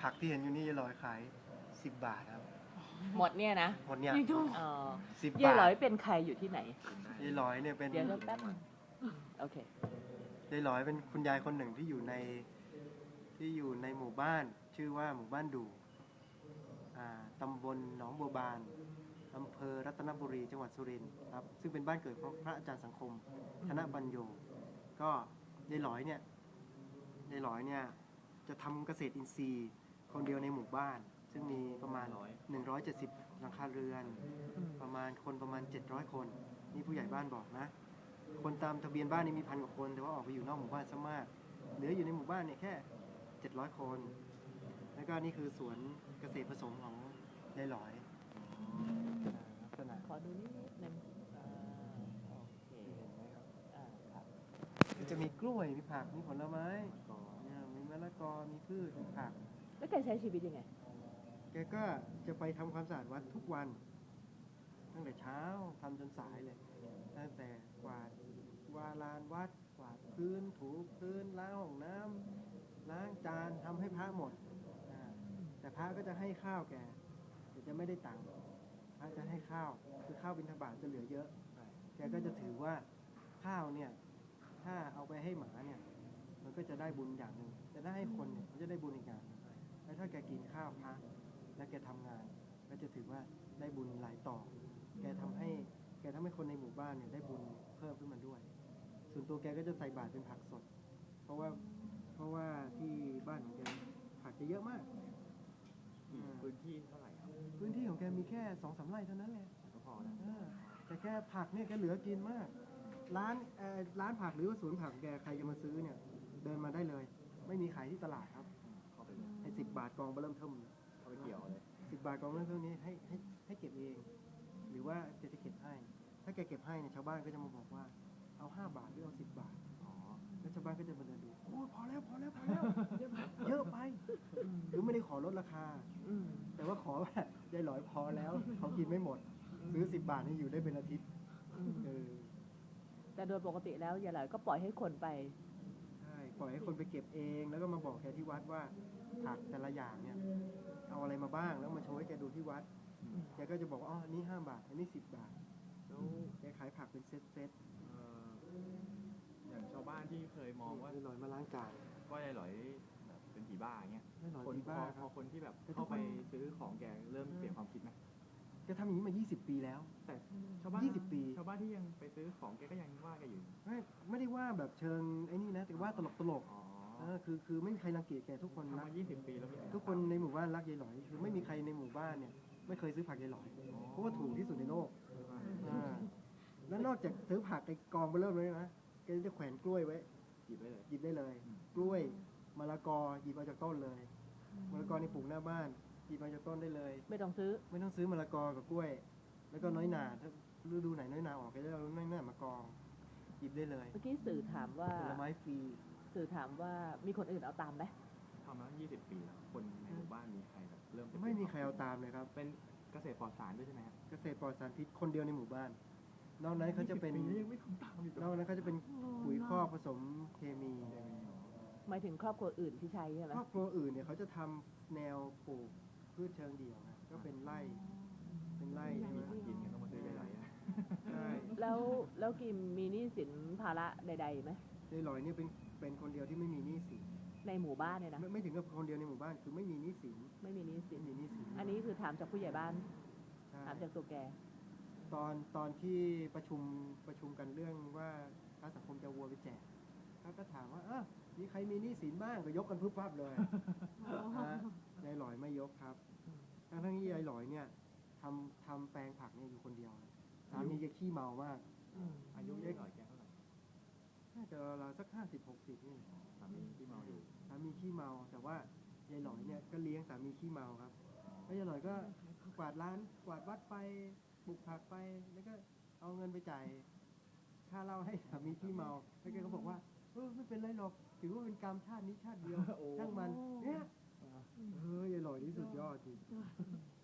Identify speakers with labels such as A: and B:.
A: ผักที่เห็นอยู่นี่ยายหลอยขาย10 บาทครับ
B: หมดเนี่ยนะ
A: หมดเนี่ย
B: เออ
A: 10
B: ยาย
A: บา
B: หลอย
A: ท
B: เป็นใครอยู่ที่ไหน
A: ยายหลอยเนี่ยเป็น
B: เดี๋ยวแป๊บนึงโอเค
A: ยายหลอยเป็นคุณยายคนหนึ่งที่อยู่ในหมู่บ้าน ชื่อว่าหมู่บ้านดูตำบลหนองบัวบานอำเภอรัตนบุรีจังหวัดสุรินทร์ครับซึ่งเป็นบ้านเกิดของพระอาจารย์สังคมธนปัญโยก็ยายหลอยเนี่ยจะทำเกษตรอินทรีย์คนเดียวในหมู่บ้าน ซึ่งมีประมาณ170หลังคาเรือนประมาณ700 คนนี่ผู้ใหญ่บ้านบอกนะ คนตามทะเบียนบ้านนี่มี1,000 กว่าคนแต่ว่าออกไปอยู่นอกหมู่บ้านซะมากเหลืออยู่ในหมู่บ้านเนี่ยแค่700 คนแล้วก็นี่คือสวนเกษตรผสมของยายหลอยลักษณะ
B: ขอดูนิดนึงโอเค
A: เห็นไหมครับ
B: ครับ
A: มันจะมีกล้วยมีผักมีผลไม้มีมะละกอมีพืชมีผัก
B: แล้วแกใช้ชีวิตยังไง
A: แกก็จะไปทำความสะอาดวัดทุกวันตั้งแต่เช้าทำจนสายเลยตั้งแต่กวาดลานวัดกวาดพื้นถูพื้นล้างห้องน้ำล้างจานทำให้พระหมดแต่พระก็จะให้ข้าวแกแต่จะไม่ได้ตังค์พระจะให้ข้าวคือข้าวบิณฑบาตจะเหลือเยอะแกก็จะถือว่าข้าวเนี่ยถ้าเอาไปให้หมาเนี่ยมันก็จะได้บุญอย่างหนึ่งแต่ถ้าให้คนเนี่ยมันจะได้บุญอีกอย่างหนึ่งแล้วถ้าแกกินข้าวพระแล้วแกทำงานก็จะถือว่าได้บุญหลายต่อแกทำให้คนในหมู่บ้านเนี่ยได้บุญเพิ่มขึ้นมาด้วยส่วนตัวแกก็จะใส่บาตรเป็นผักสดเพราะว่าที่บ้านของแกผักจะเยอะมาก
C: พื้นที่เท่าไหร่ครับ
A: พื้นที่ของแกมีแค่ 2-3 ไร่เท่านั้นแหละ
C: ก็พอนะ
A: แต่แกผักเนี่ยแกเหลือกินมากร้านผักหรือว่าสวนผักแกใครจะมาซื้อเนี่ยเดินมาได้เลยไม่มีขายที่ตลาดครับ
C: เข้าไปเลย
A: ให้10 บาทกองเริ่มเทิม
C: เข้าไปเกี่ยวเลย
A: 10 บาทกองเริ่มเทิมนี้ให้เก็บเอง หรือว่าแกจะเก็บให้ถ้าแกเก็บให้เนี่ยชาวบ้านก็จะมาบอกว่าเอา5 บาทหรือเอา10 บาท
C: อ๋อ
A: แล้วชาวบ้านก็จะมาเดินดูโอ้พอแล้วเยอะไปหรือไม่ได้ขอลดราคาแต่ว่าขอว่ายายหลอยพอแล้วเขากินไม่หมดซื้อ10 บาทนี่อยู่ได้เป็นอาทิตย์
B: แต่โดยปกติแล้วยายหลอยก็ปล่อยให้คนไป
A: ใช่ปล่อยให้คนไปเก็บเองแล้วก็มาบอกแกที่วัดว่าผักแต่ละอย่างเนี่ยเอาอะไรมาบ้างแล้วมาโชว์ให้แกดูที่วัดแกก็จะบอกว่าอ๋ออันนี้5 บาทอันนี้10 บาทแล้วแกขายผักเป็นเซต
C: อย่างชาวบ้านที่เคยมองว่า
A: ยายหลอยมาล้างจาน
C: ก็ยายหลอยแบบเป็นผีบ้าอย่างเงี้ย
A: ยายหลอย
C: คน
A: ผีบ้า
C: พ
A: ครั
C: อบ คนที่แบบเข้าไปซื้อของแกเริ่มเปลี่ยนความคิดไหม
A: แกทำอย่างนี้มา20 ปีแล้ว
C: แต่ชาวบ้าน
A: 20 ปี
C: ชาวบ้านที่ยังไปซื้อของแกก็ยังว่าแกอยู่
A: ไม่ได้ว่าแบบเชิงไอ้นี่นะแต่ว่าตลก
C: อ๋อ
A: คือไม่มีใครรังเกียจแกทุกคน
C: ทำ
A: รัก
C: มา20 ปีแล้วมีใร
A: ทุกคนในหมู่บ้านรักยายหลอยคือไม่มีใครในหมู่บ้านเนี่ยไม่เคยซื้อผักยายหลอยเพราะว่าถูกที่สุดในโลกแล้วนอกจากซื้อผักไอ้กองไปเริ่มเลยนะแกจะแขวนกล้วยไว้
C: หยิบไว้เลย
A: หยิบได้เลย กล้วยมะละกอหยิบเอาจากต้นเลยมะละกอนี่ปลูกหน้าบ้านหยิบเอาจากต้นได้เลย
B: ไม่ต้องซื้อ
A: ไม่ต้องซื้อมะละกอกับกล้วย แล้วก็น้อยหนาถ้าฤดูไหนน้อยหนาออกก็จะเอาน้อยหนามากองหยิบได้เลย
B: เมื่อกี้สื่อถามว่า
A: ผลไม้ฟรี
B: สื่อถามว่ามีคนอื่นเอาตามไหม
C: ทำมา20 ปีแล้วคนในหมู่บ้านมีใครแบบเริ่มจะ
A: ไม่มีใครเอาตามเลยครับ
C: เป็นเกษตรปลอดสารด้วยใช่ไหมครับ
A: เกษตรปลอดสารพิษคนเดียวในหมู่บ้าน นอกนั้นเขาจะเป็น
C: 20 ปีแล้วยังไม่ทำตามอีก
A: นอกนั้นเขาจะเป็นปุ๋ยคอกผสมเคมี
B: หมายถึงครอบครัวอื่นที่ใช้ใช่ไหม
A: ครอบครัวอื่นเนี่ยเขาจะทำแนวปลูกพืชเชิงเดี่ยวนะก็เป็นไร่ที่
C: มีหากินกันต้องมาซื้อยายหลอยนะ
A: ใช่
B: แล้วกิมมีหนี้สินภาระใดๆไหม
A: ยายหลอยเนี่ยเป็นคนเดียวที่ไม่มีหนี้สิน
B: ในหมู่บ้านเนี่ยนะ
A: ไม่ถึงกับคนเดียวในหมู่บ้านคือไม่มีหนี้สิน
B: ไม่มีหนี้สิน
A: ไม่มีหนี้สิน
B: อันนี้คือถามจากผู้ใหญ่บ้าน
A: ใช่
B: ถามจากตัวแก
A: ตอนที่ประชุมกันเรื่องว่าพระสังคมจะเอาวัวไปแจกเขาก็ถามว่ามีใครมีหนี้สินบ้างก็ยกกันพึบพับเลยยายหลอยไม่ยกครับทั้งที่ยายหลอยเนี่ยทำแปลงผักเนี่ยอยู่คนเดียวสามีแกขี้เมามาก
C: อายุยายหลอยแกเท่าไหร่
A: น่าจะราวๆสัก50-60นี่
C: สามีที่เมาอยู่
A: สามีขี้เมาแต่ว่ายายหลอยเนี่ยก็เลี้ยงสามีขี้เมาครับแล้วยายหลอยก็กวาดร้านกวาดวัดไปปลูกผักไปแล้วก็เอาเงินไปจ่ายค่าเหล้าให้สามีขี้เมาแล้วแกก็บอกว่าไม่เป็นไรหรอกถือว่าเป็นกรรมชาตินี้ชาติเดียวช่างมันเนี่ยยายหลอยนี่สุดยอดจริง